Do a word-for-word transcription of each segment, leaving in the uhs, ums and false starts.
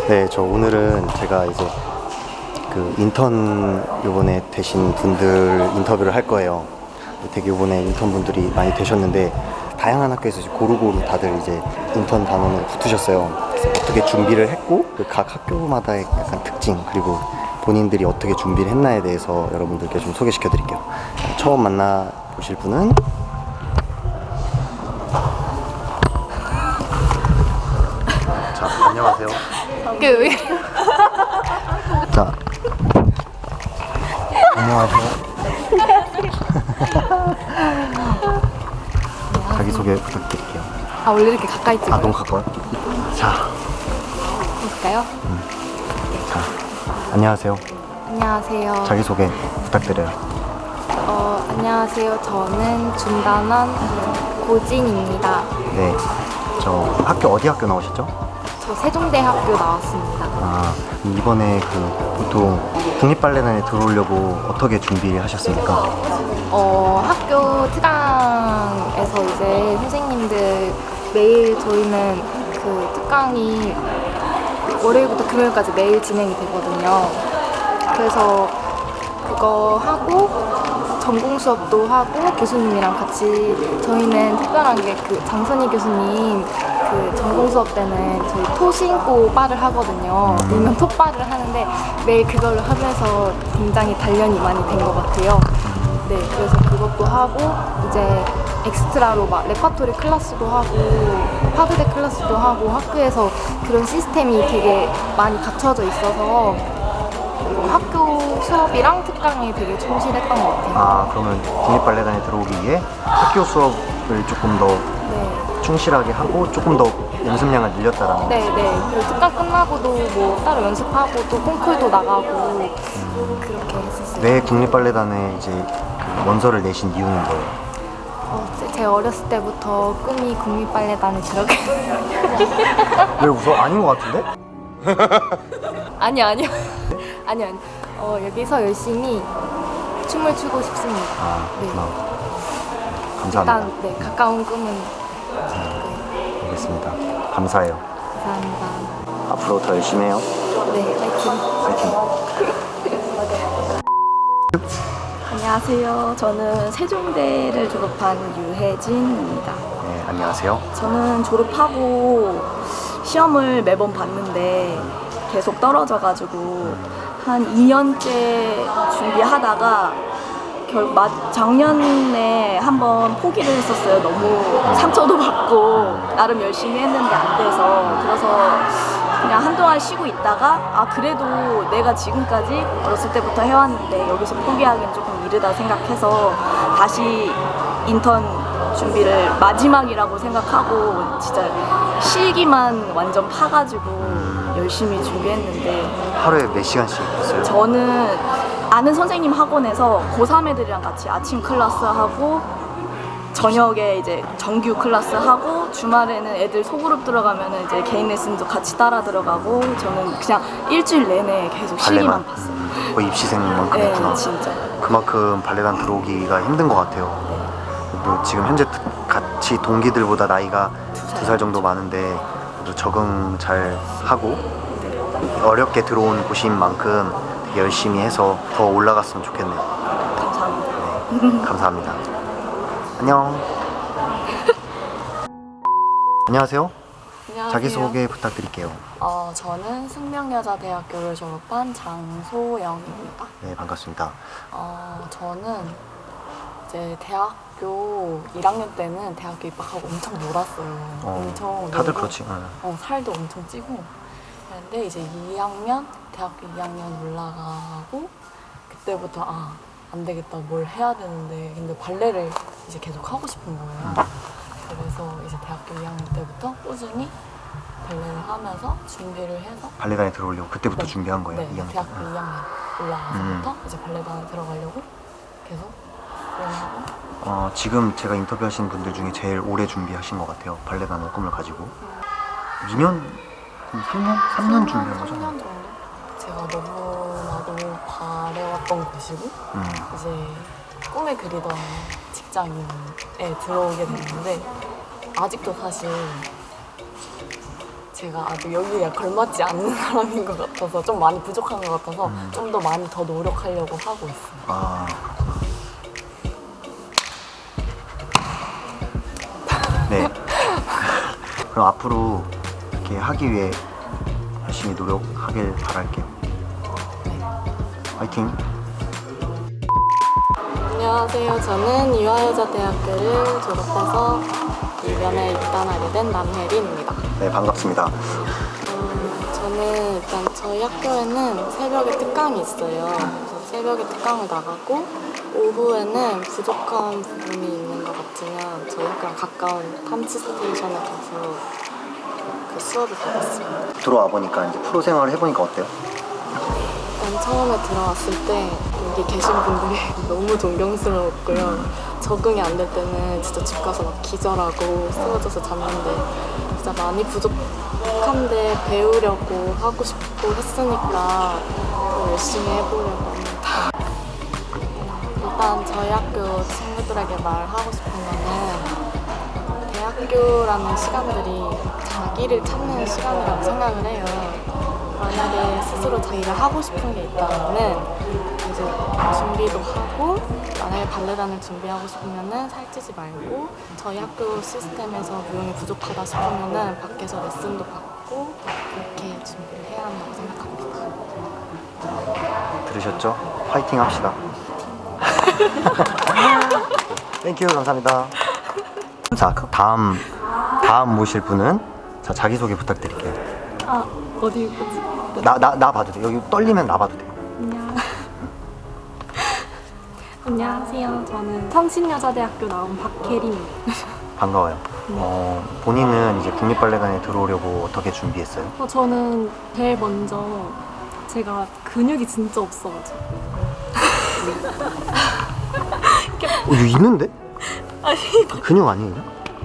네, 저 오늘은 제가 이제 그 인턴 요번에 되신 분들 인터뷰를 할 거예요. 되게 요번에 인턴 분들이 많이 되셨는데 다양한 학교에서 이제 고루고루 다들 이제 인턴 단원을 붙으셨어요. 그래서 어떻게 준비를 했고 그 각 학교마다의 약간 특징 그리고 본인들이 어떻게 준비를 했나에 대해서 여러분들께 좀 소개시켜 드릴게요. 처음 만나 보실 분은 자, 안녕하세요. 그 왜? 자, 안녕하세요. 자기소개 부탁드릴게요. 아 원래 이렇게 가까이 찍어요? 아, 너무 가까워요? 자, 볼까요? 음. 자, 안녕하세요. 안녕하세요. 자기소개 부탁드려요. 어 안녕하세요. 저는 준단원 고진입니다. 네, 저 학교 어디 학교 나오셨죠? 저 세종대학교 나왔습니다. 아, 이번에 그 보통 국립발레단에 들어오려고 어떻게 준비를 하셨습니까? 어 학교 특강에서 이제 선생님들 매일 저희는 그 특강이 월요일부터 금요일까지 매일 진행이 되거든요. 그래서 그거 하고 전공 수업도 하고 교수님이랑 같이 저희는 특별한 게 그 장선희 교수님 그 전공 수업 때는 저희 토 신고 바를 하거든요. 일명 톱바를 하는데 매일 그걸로 하면서 굉장히 단련이 많이 된 것 같아요. 네, 그래서 그것도 하고 이제 엑스트라로 막 레파토리 클래스도 하고 파드대 클래스도 하고 학교에서 그런 시스템이 되게 많이 갖춰져 있어서 학교 수업이랑 특강에 되게 충실했던 것 같아요. 아, 그러면 국립발레단에 들어오기 위해 학교 수업을 조금 더 네, 충실하게 하고 조금 더 연습량을 늘렸다라는 네, 네. 그리고 특강 끝나고도 뭐 따로 연습하고 또 콩쿨도 나가고 음. 그렇게 했었어요. 왜 국립발레단에 이제 그 원서를 내신 이유는 뭐예요? 어, 제- 제 어렸을 때부터 꿈이 국립발레단에 들어가. 왜 웃어? 아닌 것 같은데? 아니 아니요. 아니요. 아니. 어, 여기서 열심히 춤을 추고 싶습니다. 아, 네. 그렇구나. 감사합니다. 일단 네, 가까운 꿈은 네, 알겠습니다. 감사해요. 감사합니다. 앞으로 더 열심히 해요. 네, 파이팅. 파이팅. 안녕하세요. 저는 세종대를 졸업한 유혜진입니다. 네, 안녕하세요. 저는 졸업하고 시험을 매번 봤는데 계속 떨어져가지고 한 이 년째 준비하다가 결 마, 작년에 한번 포기를 했었어요. 너무 상처도 받고 나름 열심히 했는데 안 돼서. 그래서 그냥 한동안 쉬고 있다가 아 그래도 내가 지금까지 어렸을 때부터 해왔는데 여기서 포기하기는 조금 이르다 생각해서 다시 인턴 준비를 마지막이라고 생각하고 진짜 실기만 완전 파가지고 열심히 준비했는데 하루에 몇 시간씩 했어요? 저는 아는 선생님 학원에서 고삼 애들이랑 같이 아침 클래스 하고 저녁에 이제 정규 클래스 하고 주말에는 애들 소그룹 들어가면은 이제 개인 레슨도 같이 따라 들어가고 저는 그냥 일주일 내내 계속 실기만 발레만? 봤어요. 음, 거의 입시생만큼 네, 했구나. 진짜. 그만큼 발레단 들어오기가 힘든 것 같아요. 그리고 지금 현재 같이 동기들보다 나이가 두 살 정도 많은데 그래도 적응 잘 하고 어렵게 들어온 곳인 만큼 되게 열심히 해서 더 올라갔으면 좋겠네요. 감사합니다. 네, 감사합니다. 안녕. 안녕하세요. 안녕하세요. 자기소개 부탁드릴게요. 어, 저는 숙명여자대학교를 졸업한 장소영입니다. 네, 반갑습니다. 어, 저는 이제 대학교 일 학년 때는 대학교 입학하고 엄청 놀았어요. 어, 엄청 다들 놀고, 그렇지. 응. 어, 살도 엄청 찌고. 그런데 이제 이 학년, 대학교 이 학년 올라가고 그때부터 아, 안 되겠다. 뭘 해야 되는데 근데 발레를 이제 계속 하고 싶은 거예요. 그래서 이제 대학교 이 학년 때부터 꾸준히 발레를 하면서 준비를 해서 발레단에 들어오려고 그때부터 네. 준비한 거예요. 네, 이 학년. 대학교 응. 이 학년 올라가서부터 이제 발레단에 들어가려고 계속 연습하고. 어, 지금 제가 인터뷰하신 분들 중에 제일 오래 준비하신 것 같아요. 발레단의 꿈을 가지고. 이 년? 삼 년? 삼 년 준비한 거죠? 삼 년 정도? 제가 너무나도 바래왔던 곳이고 음. 이제 꿈에 그리던 직장인에 들어오게 됐는데 아직도 사실 제가 아직 여기에 걸맞지 않는 사람인 것 같아서 좀 많이 부족한 것 같아서 음. 좀 더 많이 더 노력하려고 하고 있어요. 아, 네. 그럼 앞으로 이렇게 하기 위해 열심히 노력하길 바랄게요. 화이팅! 안녕하세요. 저는 유아여자대학교를 졸업해서 이변에 입단하게 된 남혜린입니다. 네, 반갑습니다. 음, 저는 일단 저희 학교에는 새벽에 특강이 있어요. 그래서 새벽에 특강을 나가고 오후에는 부족한 부분이 있는 것 같으면 저희 학교랑 가까운 탐치 스테이션에 가서 그 수업을 받았습니다. 들어와 보니까 이제 프로 생활을 해보니까 어때요? 일단 처음에 들어왔을 때 여기 계신 분들이 너무 존경스러웠고요. 적응이 안 될 때는 진짜 집 가서 막 기절하고 쓰러져서 잤는데 진짜 많이 부족한데 배우려고 하고 싶고 했으니까 더 열심히 해보려고 합니다. 일단 저희 학교 친구들에게 말하고 싶은 거는 대학교라는 시간들이 자기를 찾는 시간이라고 생각을 해요. 만약에 스스로 자기가 하고 싶은 게 있다면은 이제 준비도 하고 만약에 발레단을 준비하고 싶으면은 살찌지 말고 저희 학교 시스템에서 무용이 부족하다 싶으면은 밖에서 레슨도 받고 그렇게 준비를 해야 한다고 생각합니다. 들으셨죠? 화이팅 합시다. 땡큐, 감사합니다. 자, 다음 다음 모실 분은 자 자기소개 부탁드릴게요. 아, 어디 있지? 나 나 나 봐도 돼. 여기 떨리면 나 봐도 돼. 안녕. 안녕하세요. 저는 성신여자대학교 나온 박혜린입니다. 반가워요. 어, 본인은 이제 국립발레단에 들어오려고 어떻게 준비했어요? 어, 저는 제일 먼저 제가 근육이 진짜 없어가지고 어, 이거 있는데? 아니 근육 아니에요?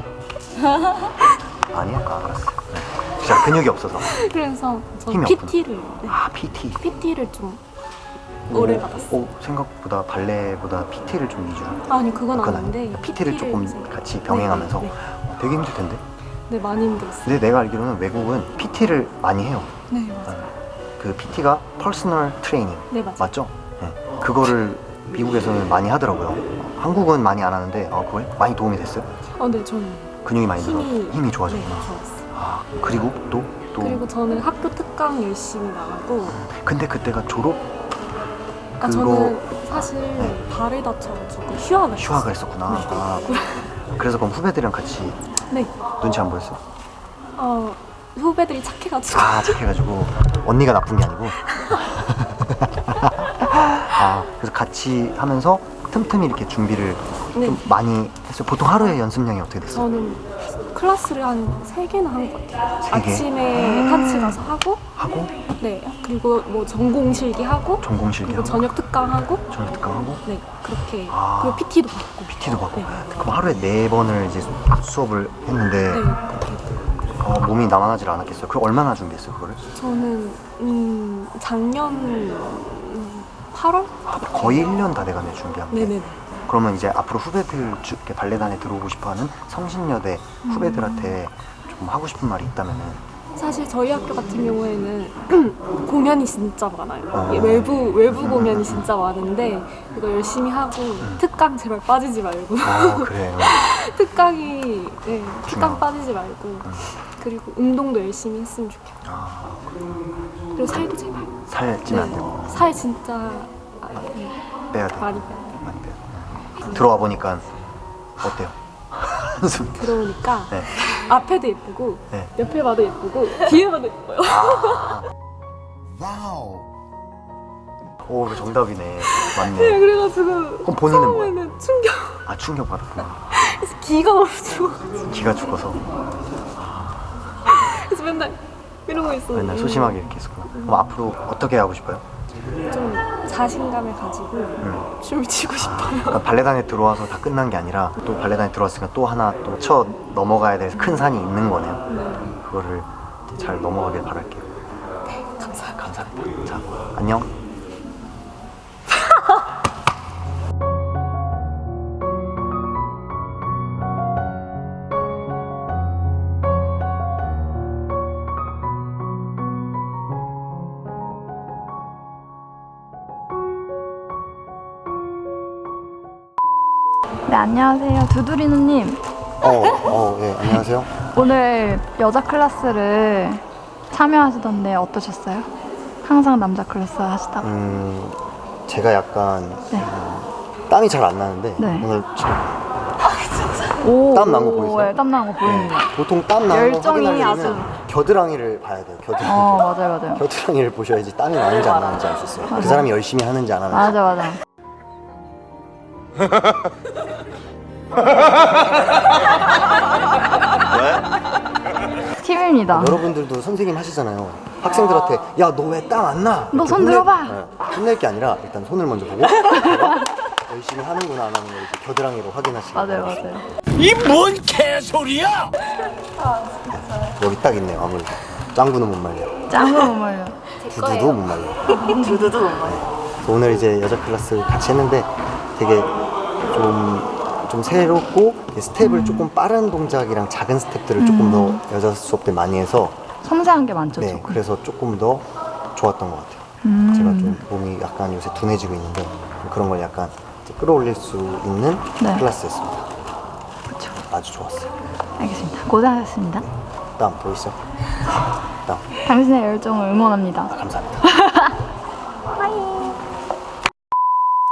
아니야? 아, 알았어. 네. 진짜 근육이 없어서. 그래서 저 힘이 피티를 네, 아, 피티. 피티를 좀 오래 받았어요. 오, 생각보다 발레보다 피티를 좀 위주로. 아니 그건 그건 아닌데 아니야. 피티를 조금 이제- 같이 병행하면서 네, 네, 어, 되게 힘들 텐데. 네, 많이 힘들었어요. 근데 내가 알기로는 외국은 피티를 많이 해요. 네, 맞아요. 그 피티가 퍼스널 트레이닝 네, 맞아요. 맞죠? 네. 그거를 미국에서는 많이 하더라고요. 한국은 많이 안 하는데 아, 그거에 많이 도움이 됐어요? 어, 네, 저는 근육이 많이 늘어 힘이 힘이 좋아졌구나. 네, 좋았어요. 아, 그리고 또 또. 그리고 저는 학교 특강 열심히 나가고 근데 그때가 졸업 아, 그거 저는 사실 네. 발을 다쳐가지고 휴학을 휴학을 했어요. 했었구나. 네. 아, 그래서 그럼 후배들이랑 같이 네. 눈치 안 보였어요? 어, 후배들이 착해가지고 아, 착해가지고 언니가 나쁜 게 아니고. 아, 그래서 같이 하면서 틈틈이 이렇게 준비를 네. 좀 많이 했어요. 보통 하루에 연습량이 어떻게 됐어요? 저는 클래스를 한 세 개나 한 것 같아요. 세 개? 아침에 탐치 가서 하고 하고 네 그리고 뭐 전공 실기 하고 전공 실기 그리고 하고 저녁 특강 하고 저녁 특강하고 네 그렇게 아. 그리고 피티도 받고 피티도 받고 네. 그럼 하루에 네 번을 이제 수업을 했는데 네 그렇게 어, 몸이 남아나질 않았겠어요. 그럼 얼마나 준비했어요 그거를? 저는 음 작년 음, 팔월 아, 거의 일 년 다 돼가네 준비한 게. 네네네 그러면 이제 앞으로 후배들 주- 이렇게 발레단에 들어오고 싶어하는 성신여대 음. 후배들한테 좀 하고 싶은 말이 있다면은 사실 저희 학교 같은 경우에는 공연이 진짜 많아요. 어. 이게 외부 외부 공연이 진짜 많은데 이거 열심히 하고 특강 제발 빠지지 말고 아 그래요. 특강이 네, 특강 중요하다. 빠지지 말고 그리고 운동도 열심히 했으면 좋겠고 아, 그리고 살도 제발 살 찌면 안 되고 살 진짜 아, 네, 빼야 돼. 많이 빼야 돼. 많이 빼야 돼. 들어와 보니까 어때요? 한숨. 들어오니까 네. 앞에도 예쁘고 네. 옆에 봐도 예쁘고 뒤에 봐도 예뻐요. 와우. 오, 이거 정답이네. 네, 맞네. 그래가지고 그럼 본인은 뭐야? 처음에는 충격 아, 충격 받았구나. 그래서 기가 막히고 기가 죽어서 그래서 맨날 이러고 있었는데 맨날 소심하게 이렇게 했었구나. 그럼 앞으로 어떻게 하고 싶어요? 좀 자신감을 가지고 음. 춤을 추고 싶어요. 그러니까 발레단에 들어와서 다 끝난 게 아니라 또 발레단에 들어왔으니까 또 하나 또 쳐 넘어가야 될 큰 산이 있는 거네요. 네. 그거를 잘 넘어가길 바랄게요. 감사합니다. 감사합니다. 자, 안녕. 네, 안녕하세요. 두두리누님. 어, 어, 예, 안녕하세요. 오늘 여자 클래스를 참여하시던데 어떠셨어요? 항상 남자 클래스 하시다가. 음, 제가 약간 네. 음, 땀이 잘 안 나는데 네. 오늘 지금 오, 땀난거 보이세요? 네, 땀 난 거 보입니다. 보통 땀 나는 거 열정이 확인하려면 아주- 겨드랑이를 봐야 돼요. 겨드랑이. 어, 맞아요, 맞아요. 겨드랑이를 보셔야지 땀이 나는지 안 나는지 알 수 있어요. 그 맞아. 사람이 열심히 하는지 안 하는지. 맞아, 맞아. 팁입니다. 여러분들도 선생님 하시잖아요. 학생들한테 야 너 왜 땀 안 나? 너 이렇게 손 혼낼- 들어봐. 네, 혼낼 게 아니라 일단 손을 먼저 보고 내가 열심히 하는구나 안 하는 걸 이제 겨드랑이로 확인하시고. 맞아요, 맞아요. 이 뭔 개소리야! 여기 딱 있네요. 아무래도 짱구는 못 말려. 짱구 못 말려. 두두도 못 말려. 두두두 못 말려. 오늘 이제 여자 클래스 같이 했는데 되게 좀, 좀 새롭고 스텝을 조금 빠른 동작이랑 작은 스텝들을 조금 더 여자 수업 때 많이 해서 섬세한 게 많죠, 네, 조금. 그래서 조금 더 좋았던 것 같아요. 음. 제가 좀 몸이 약간 요새 둔해지고 있는데 그런 걸 약간 이제 끌어올릴 수 있는 네. 클래스였습니다. 그쵸. 아주 좋았어요. 알겠습니다. 고생하셨습니다. 다음 보이시죠? 다음 당신의 열정을 응원합니다. 아, 감사합니다. 빠이.